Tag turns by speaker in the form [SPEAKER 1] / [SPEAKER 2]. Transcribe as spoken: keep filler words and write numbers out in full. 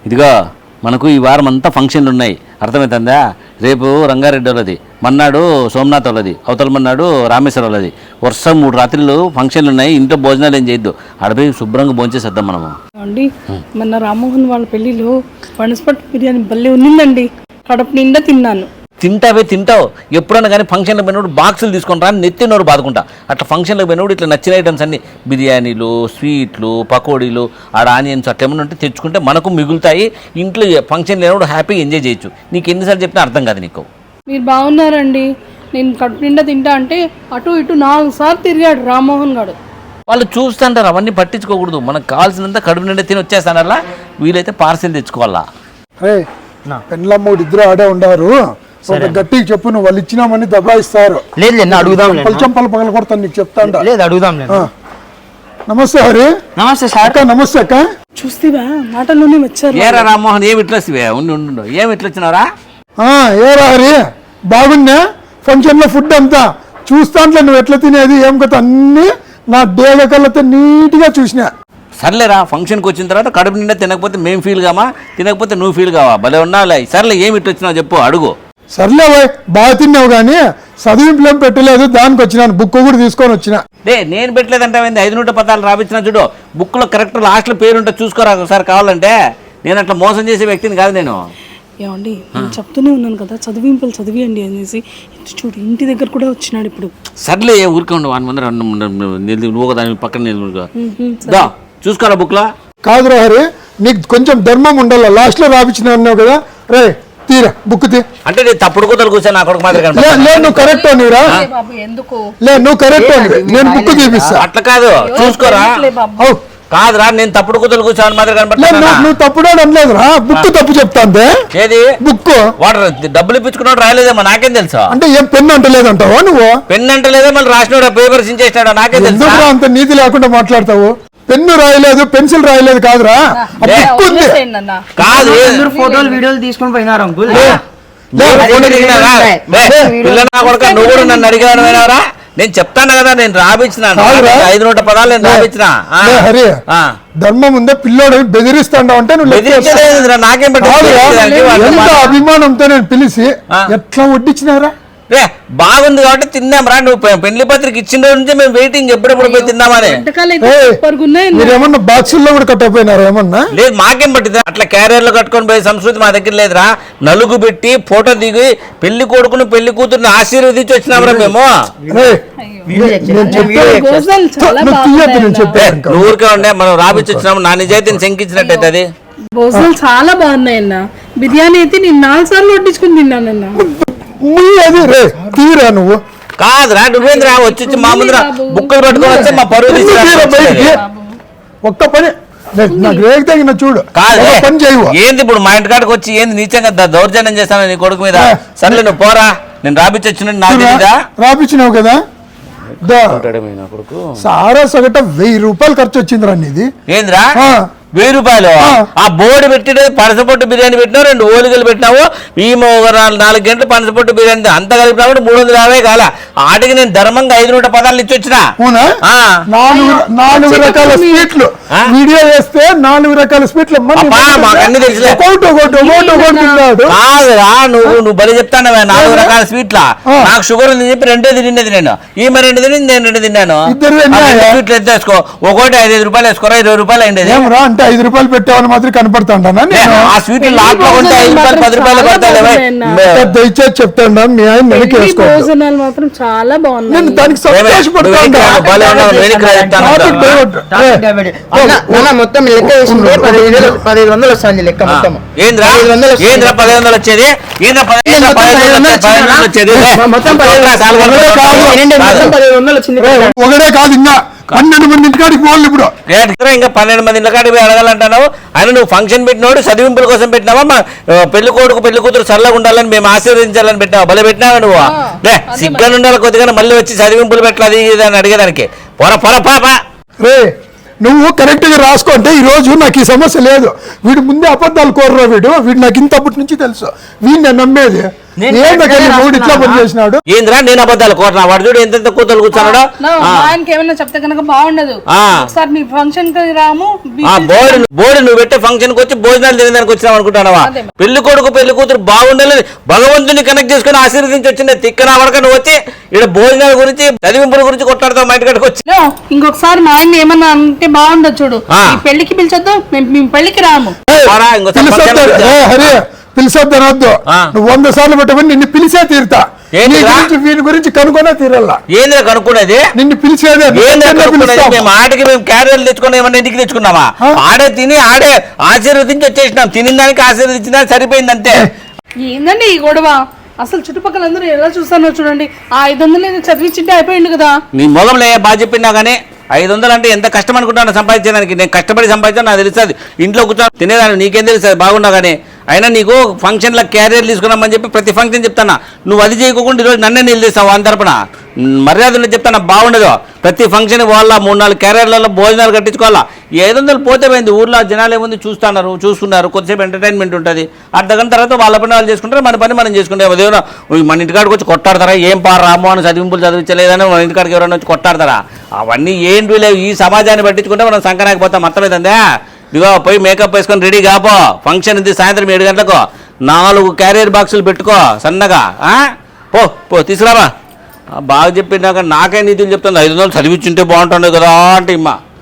[SPEAKER 1] ఇదిగో మనకు ఈ వారం అంతా ఫంక్షన్లు ఉన్నాయి, అర్థమవుతుందా? రేపు రంగారెడ్డి వాళ్ళది, మన్నాడు సోమనాథ్ వాళ్ళది, అవతల మన్నాడు రామేశ్వర వాళ్ళది. వర్షం మూడు రాత్రులు ఫంక్షన్లు ఉన్నాయి, ఇంట్లో భోజనాలు ఏం చేయొద్దు, ఆడపోయి శుభ్రంగా భోంచేసేద్దాం మనము.
[SPEAKER 2] అండి మొన్న రామ్మోహన్ వాళ్ళ పెళ్లిలో పనసపట్టు బిర్యానీ భలే ఉన్నిందండి, కడుపు నిండా తిన్నాను.
[SPEAKER 1] తింటావే తింటావు, ఎప్పుడైనా కానీ ఫంక్షన్లకు పోయినప్పుడు బాక్సులు తీసుకుంటా నెత్తి నోరు బాదుకుంటా. అట్లా ఫంక్షన్లకు పోయినప్పుడు ఇట్లా నచ్చిన ఐటమ్స్ అన్ని బిర్యానీలు, స్వీట్లు, పకోడీలు, ఆడ ఆనియన్స్ అట్లా ఏమైనా ఉంటే తెచ్చుకుంటే మనకు మిగులుతాయి. ఇంట్లో ఫంక్షన్ లేనప్పుడు హ్యాపీగా ఎంజాయ్ చేయొచ్చు. నీకు ఎన్నిసార్లు చెప్పినా అర్థం కాదు నీకు.
[SPEAKER 2] మీరు బాగున్నారండి, నేను కడుపు నిండా తింటా అంటే అటు ఇటు నాలుగు సార్లు తిరిగాడు రామ్మోహన్ గారు.
[SPEAKER 1] వాళ్ళు చూస్తుంటారు, అవన్నీ పట్టించుకోకూడదు. మనకు కావాల్సినంత కడుపు నిండా తిని వచ్చేస్తానల్లా, వీలైతే పార్సిల్ తెచ్చుకోవాలా.
[SPEAKER 3] పెళ్ళమ్మడు ఇద్దరు ఆడే ఉండారు, గట్టిగా చెప్పు, నువ్వు వాళ్ళు ఇచ్చినామని దబాయిస్తారు.
[SPEAKER 4] లేదు అడుగుదాం,
[SPEAKER 3] పలుచంపలు పగల కొడతాను నీకు చెప్తాను.
[SPEAKER 4] లేదు అడుగుదాం.
[SPEAKER 3] నమస్తే హరి.
[SPEAKER 4] నమస్తే సార్.
[SPEAKER 3] అక్క నమస్తే అక్క.
[SPEAKER 2] చూస్తేవా మాటల్లోనే వచ్చారు.
[SPEAKER 1] ఏరా రామ్మోహన్ ఏమి ఇట్లా వస్తే ఉండి ఉండు ఏమి ఇట్లా వచ్చినారా?
[SPEAKER 3] ఏరా హరి బాగున్నా? ఫంక్షన్ లో ఫుడ్ అంతా చూస్తాంట్లే, నువ్వు ఎట్లా తినేది ఏం కదా అన్ని నా డేగ కళ్ళతో నీట్ గా చూసినా.
[SPEAKER 1] సర్లేరా, ఫంక్షన్కి వచ్చిన తర్వాత కడుపు నిండా తినకపోతే మేము ఫీల్ కామా, తినకపోతే నువ్వు ఫీల్ కావా? భలే ఉన్నావులే. సర్లే ఏమి ఇట్లా వచ్చినావు చెప్పు, అడుగు.
[SPEAKER 3] సర్లే పోయి బాగా తిన్నావు కానీ చదివింపులు ఏం పెట్టలేదు, దానికి వచ్చినాను. బుక్ కూడా తీసుకొని వచ్చిన.
[SPEAKER 1] డే నేను పెట్టలేదంటే ఐదు నూట పదాలు రాపించిన చూడు, బుక్లో కరెక్ట్ లాస్ట్లో పేరు ఉంటే చూసుకోరా ఒకసారి కావాలంటే. నేను అట్లా మోసం చేసే వ్యక్తిని కాదు నేను.
[SPEAKER 2] ఏమండి నేను చెప్తూనే ఉన్నాను కదా చదివింపులు చదివియండి అనేసి, చూడు ఇంటి దగ్గర కూడా వచ్చినాడు ఇప్పుడు.
[SPEAKER 1] సర్లే ఊరికే ఉండు, వన్ మంది నువ్వు ఒక దాని పక్కన చూసుకోరా బుక్లో.
[SPEAKER 3] కాదు హరి, నీకు కొంచెం ధర్మం ఉండాలి, లాస్ట్ లో రాపించిన అన్నావు కదా. రే తీరా బుక్ తీ. అంటే
[SPEAKER 1] నేను తప్పుడు కూతురు కూర్చొని నా కొడుకు మాత్రం
[SPEAKER 3] నువ్వు కరెక్ట్ నీరా, లే నువ్వు కరెక్ట్ నేను బుక్ తీపిస్తా.
[SPEAKER 1] అట్లా కాదు చూసుకోరా. కాదురా, నేను తప్పుడు కూతురు కూర్చోని మాత్రం కనపడతా.
[SPEAKER 3] నువ్వు తప్పుడు అనలేదురా, బుక్ తప్పు చెప్తాందే.
[SPEAKER 1] ఏది
[SPEAKER 3] బుక్?
[SPEAKER 1] వాడు డబ్బులు ఇప్పించుకున్నాడు రాయలేదేమో నాకేం తెలుసా?
[SPEAKER 3] అంటే ఏం పెన్ను అంటలేదంటావా నువ్వు?
[SPEAKER 1] పెన్ను అంటలేదా మళ్ళీ రాసినాడు పేపర్ సించేసినాడు నాకేం తెలుసా?
[SPEAKER 3] అంత నీతి లేకుండా మాట్లాడతావు. పెన్ను రాయలేదు, పెన్సిల్ రాయలేదు కాదురా, బుక్ ఉంది.
[SPEAKER 1] కాదు
[SPEAKER 4] ఫోటోలు వీడియోలు తీసుకొని పోయినారు అంకుల్.
[SPEAKER 1] నువ్వు కూడా నన్ను అడిగాను. నేను చెప్తాను కదా, నేను రాపించినాను ఐదు నూట పదాలు నేను రాపించిన.
[SPEAKER 3] హరి ధర్మం ఉందే, పిల్లోడు బెదిరిస్తాండావు అంటే నువ్వు
[SPEAKER 1] బెదిరించలేదు. నాకేం
[SPEAKER 3] ఎంత అభిమానంతో నేను పిలిచి ఎట్లా వడ్డించినారా?
[SPEAKER 1] రే బాగుంది కాబట్టి తిన్నాం రా. నువ్వు పెళ్లి పత్రిక ఇచ్చిన రోజు నుంచి మేము వెయిటింగ్ ఎప్పుడెప్పుడు పోయి తిన్నామని.
[SPEAKER 3] మీరేమన్నా బాక్సుల్లో కూడా కట్టకపోయినారా ఏమన్నా?
[SPEAKER 1] లేదు మాకేం పట్టింది, అట్లా క్యారియర్ లో కట్టుకొని పోయే సంస్కృతి మా దగ్గర లేదురా. నలుగు పెట్టి ఫోటో దిగి పెళ్లి కొడుకుని పెళ్లి కూతుర్ని ఆశీర్వదించి వచ్చినామరా మేము. ఊరికే ఉండే మనం రాబిచ్చి వచ్చినాము, నా నిజాయితీని శంకించినట్టయితే అది.
[SPEAKER 2] భోజనాలు చాలా బాగున్నాయి అన్న, బిర్యానీ అయితే నేను నాలుగు సార్లు వడ్డించుకుని తిన్నానన్నా.
[SPEAKER 3] రే తీరా నువ్వు.
[SPEAKER 1] కాదురా నువ్వేంద్రా వచ్చి మా ముందర బుక్కలు పట్టుకొని వస్తే మా పరువు
[SPEAKER 3] ఒక్క పని నాకు రేగి తగిన చూడు.
[SPEAKER 1] కాదు
[SPEAKER 3] పని చేయవు.
[SPEAKER 1] ఏంది ఇప్పుడు మా ఇంటికాడికి వచ్చి ఏంది నీచంగా దౌర్జన్యం చేస్తాను నీ కొడుకు మీద? సర్లే నువ్వు పోరా, నేను రాపిచ్చి వచ్చిన నాకు తెలీదా?
[SPEAKER 3] రాపిచ్చినావు కదా. సారా సగట వెయ్యి రూపాయలు ఖర్చు వచ్చిందిరా నీది.
[SPEAKER 1] ఏందిరా వెయ్యి రూపాయలు? ఆ బోర్డు పెట్టి పనసపొట్టు బిర్యానీ పెట్టినావు, రెండు ఓలిగలు పెట్టినావు, ఈ నాలుగు గంటలు పనసపొట్టు బిర్యానీ అంత కలిపినప్పుడు మూడు వందల యాభై కాల. ఆటికి నేను ధర్మంగా ఐదు నూట పదాలు ఇచ్చి వచ్చిన.
[SPEAKER 3] నాలుగు రకాల స్వీట్లు వీడియో వేస్తే నాలుగు రకాల స్వీట్లు
[SPEAKER 1] మాకన్నీ తెలుసు. కాదురా నువ్వు నువ్వు బలి చెప్తానవే నాలుగు రకాల స్వీట్లా. నాకు షుగర్ ఉంది చెప్పి రెండే తినేది నేను, ఈమె రెండు తిని నేను రెండు తిన్నాను. స్వీట్లు ఎత్తేసుకో, ఒకటి ఐదు ఐదు రూపాయలు వేసుకోరా, ఇరవై రూపాయలు అయింది.
[SPEAKER 3] అంటే ఐదు రూపాయలు పెట్టామని మాత్రం కనపడతాను.
[SPEAKER 1] ఆ స్వీట్లు లాట్లో ఉంటే ఐదు రూపాయలు పది రూపాయలు పడతాయి.
[SPEAKER 3] దయచేసి చెప్తాను మీ ఆయన వెనక్కి
[SPEAKER 2] భోజనాలు మాత్రం చాలా బాగున్నాయి.
[SPEAKER 3] నేను దానికి సంతోషపడతాను.
[SPEAKER 4] మొత్తం లెక్క వేసింది పదిహేను వందలు వస్తుంది లెక్క మొత్తం.
[SPEAKER 1] ఏంద్రా ఏంద్రా పదిహేను వందలు వచ్చేది? ఏంద్రా పదిహేను వచ్చేది?
[SPEAKER 3] ఒకటే కాదు ఇంకా పన్నెండు మంది ఇంటికాడికి పోవాలి ఇప్పుడు.
[SPEAKER 1] ఇంకా పన్నెండు మంది ఇంటికాడికి పోయి అడగాలంటున్నావు. ఆయన నువ్వు ఫంక్షన్ పెట్టినోడు చదివింపుల కోసం పెట్టినావా? మా పెళ్లి కొడుకు పెళ్లి కూతురు చల్లగా ఉండాలని మేము ఆశీర్వదించాలని పెట్టావా? భలే పెట్టినావా నువ్వు? లే సిగ్గాను ఉండాలి కొద్దిగా, మళ్ళీ వచ్చి చదివింపులు పెట్టాలి అని అడిగేదానికి. పొర పొర పాప
[SPEAKER 3] రే నువ్వు కరెక్ట్ గా రాసుకుంటే ఈ రోజు నాకు ఈ సమస్య లేదు. వీడు ముందే అబద్ధాలు కోర్రా, వీడు వీడు నాకు ఇంతప్పటి నుంచి తెలుసు, వీడిని నమ్మేది.
[SPEAKER 4] నేను
[SPEAKER 3] ఏంటంటే నీ మూడు ఇట్లా పని చేసినాడు
[SPEAKER 1] ఏంద్రా నేను అబద్ధాలు కోరనా వాడు చూడు ఎంత కూతురు కూర్చున్నాడో
[SPEAKER 2] నా మా ఆయనకి ఏమైనా చెప్తే కనుక బాగుండదు
[SPEAKER 1] ఆ.
[SPEAKER 2] ఒకసారి మీ ఫంక్షన్ కి రాము బి-
[SPEAKER 1] బోర్డు బోర్డు నువ్వు పెట్టే ఫంక్షన్ కి వచ్చి భోజనాలు తినడానికి వచ్చినావు అనుకుంటానవా
[SPEAKER 2] అదే.
[SPEAKER 1] పెళ్లి కొడుకు పెళ్లి కూతురు బాగుండాలని భగవంతుని కనెక్ట్ చేసుకుని ఆశీర్వదించి వచ్చింది తిక్కన వడక నువ్వు వచ్చి ఇక్కడ భోజనాల గురించి చదివింపుల గురించి కొట్టాడుతావు మా ఇంటికి వచ్చి
[SPEAKER 2] నో, ఇంకొకసారి మా ఆయన ఏమన్నా అంటే బాగుండదు చూడు
[SPEAKER 1] ఆ.
[SPEAKER 2] ఈ పెళ్లికి పిలిచొద్దు మేము మీ పెళ్లికి రాము
[SPEAKER 1] పోరా, ఇంకోసారి
[SPEAKER 3] పిలిచొద్దు
[SPEAKER 1] function కి
[SPEAKER 3] ఏ హరి పిలిచొద్దు అనొద్దు
[SPEAKER 1] ఆ.
[SPEAKER 3] నువ్వు వంద సార్లు పెట్టమని నిన్ను పిలిచే తీరుతా
[SPEAKER 1] ఏంటి
[SPEAKER 3] నీ
[SPEAKER 1] రా?
[SPEAKER 3] గురించి వీని గురించి కనుక్కొనే తీరల్లా
[SPEAKER 1] ఏంద్రా కనుక్కునేది
[SPEAKER 3] నిన్ను పిలిచేదే
[SPEAKER 1] ఏంద్రా
[SPEAKER 3] నిన్నే
[SPEAKER 1] కనుక్కునేది
[SPEAKER 3] పిలుస్తాం.
[SPEAKER 1] మేము ఆటకి మేము క్యారియర్లు తెచ్చుకున్నాం ఏమన్నా ఇంటికి తెచ్చుకున్నామా
[SPEAKER 3] ఆ?
[SPEAKER 1] ఆడే తిని ఆడే ఆశీర్వదించి వచ్చేసినాం తినిన దానికి ఆశీర్వదించినా సరిపోయింది అంతే
[SPEAKER 2] ఏందండి ఈ గొడవ అసలు చుట్టుపక్కల అందరూ ఎలా చూస్తానో చూడండి ఆ ఐదు వందలు ఏదో చదివించింటే అయిపోయింది కదా
[SPEAKER 1] నీ మొగంలో ఏ బాగా చెప్పినా కానీ ఐదు వందలు అంటే ఎంత కష్టం అనుకుంటాను సంపాదించడానికి నేను కష్టపడి సంపాదించాను నాకు తెలుస్తుంది ఇంట్లో కూర్చొని తినేదాన్ని నీకేం తెలుస్తుంది బాగున్నా కానీ అయినా నీకు ఫంక్షన్లో క్యారియర్ తీసుకున్నామని చెప్పి ప్రతి ఫంక్షన్ చెప్తానా నువ్వు అది చేయకుండా ఈరోజు నన్నే నిలదీస్తావు అని తరపున మర్యాదలు చెప్తాను బాగుండదు ప్రతి ఫంక్షన్ వాళ్ళ మూడు నాలుగు క్యారియర్లలో భోజనాలు కట్టించుకోవాలా ఈ ఐదు వందలు పోతే పోయింది ఊర్లో జనాలు ఏముంది చూస్తున్నారు చూసుకున్నారు కొద్దిసేపు ఎంటర్టైన్మెంట్ ఉంటుంది అర్ధ గంట తర్వాత వాళ్ళ పని వాళ్ళు చేసుకుంటారు మన పని మనం చేసుకుంటాం అదేమో మన ఇంటికాడికి వచ్చి కొట్టాడతారా ఏం పార రామో అని చదివింపులు చదివించలేదని మన ఇంటికాడికి ఎవరైనా వచ్చి కొట్టాడతారా అవన్నీ ఏంటి లేవు ఈ సమాజాన్ని పట్టించుకుంటే మనం సంకరాకపోతాం అర్థమైందా ఇదిగో పోయి మేకప్ వేసుకొని రెడీ కాపో ఫంక్షన్ ఇది సాయంత్రం ఏడు గంటలకు నాలుగు క్యారియర్ బాక్సులు పెట్టుకో సన్నగా ఆ? పో పో తీసుకురాబా బాగా చెప్పినాక నాకే నీతులు చెప్తాను ఐదు వందలు చదివించుంటే బాగుంటుండే కదా అంటే ఇమ్మా